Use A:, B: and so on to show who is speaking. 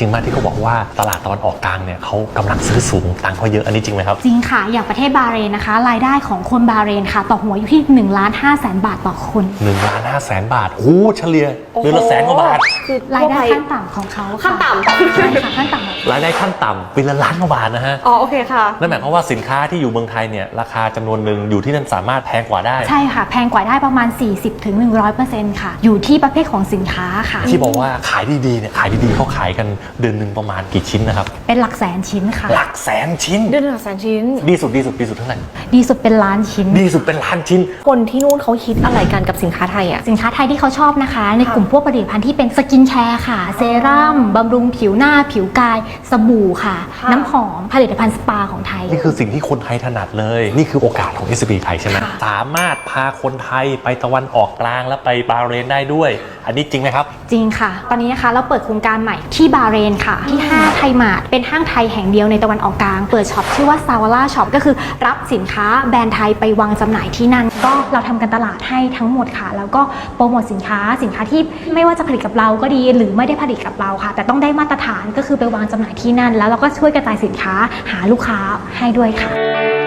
A: ริงมากที่เขาบอกว่าตลาดตะวันออกกลางเนี่ยเขากำลังซื้อสูงตังค์เขาเยอะอันนี้จริงไหมครับ
B: จริงค่ะอย่างประเทศบาห์เรนนะคะรายได้ของคนบาห์เรนค่ะต่อหัวอยู่ที่1,500,000 บาทต่อคน
A: 1,500,000 บาทโอ้เฉลี่ยเดือนละ100,000 กว่าบาท
B: คือรายได้ขั้นต่ำของเขา
C: ขั้นต่ำ
B: ใช่ค่ะขั้นต่ำ
A: รายได้ขั้นต่ำปีละ1,000,000 กว่าบาทนะฮะ
C: อ๋อโอเคค่ะ
A: นั่นหมายความว่าสินค้าที่อยู่เมืองไทยเนี่ยราคาจำนวนหนึ่งอยู่ที่นั่นสามารถแพงกว่าได้
B: ใช่ค่ะแพงกว่าได้ประมาณ 40-100% ค่ะอยู่ที่ประเภทของสินค้าค่ะ
A: ที่บอกว่าขายดีๆเนี่ยขายดีๆเขาขายกันเดือนหนึ่งประมาณกี่ชิ้นนะครับ
B: เป็นหลักแสนชิ้นค่ะ
A: หลักแสนชิ้น
C: เดือนหลักแสนชิ้น
A: ดีสุดเท่าไหร่
B: ดีสุดเป็นล้านชิ้น
A: ดีสุดเป็นล้านชิ้น
C: คนที่นู่นเขาคิดอะไรกันกับสินค้าไทยอ่ะ
B: สินค้าไทยที่เขาชอบนะคะในกลุ่มพวกผลิตภัณฑ์ที่เป็นสกินแคร์ค่ะเซรั่มบำรุงผิวหน้าผิวกายสบู่ค่ะน้ำหอมผลิตภัณฑ์สปาของไทย
A: นี่คือสิ่งที่คนไทยถนัดเลยนี่คือโอกาสของ SCB ไทยใช่ไหมสามารถพาคนไทยไปตะวันออกกลางและไปบาห์เรนได้ด้วยอันนี้จริงไหมครับ
B: จริงค่ะตอนนี้นะคะเราเปิดโครงการใหม่ที่บาห์เรนค่ะที่ห้างไทยมาร์ทเป็นห้างไทยแห่งเดียวในตะวันออกกลางเปิดช็อปชื่อว่าซาวาร่าช็อปก็คือรับสินค้าแบรนด์ไทยไปวางจำหน่ายที่นั่นก็เราทำการตลาดให้ทั้งหมดค่ะแล้วก็โปรโมทสินค้าที่ไม่ว่าจะผลิตกับเราก็ดีหรือไม่ได้ผลิตกับเราค่ะแต่ต้องได้มาตรฐานก็คือไปวางจำหน่ายที่นั่นแล้วเราก็ช่วยกระจายสินค้าหาลูกค้าให้ด้วยค่ะ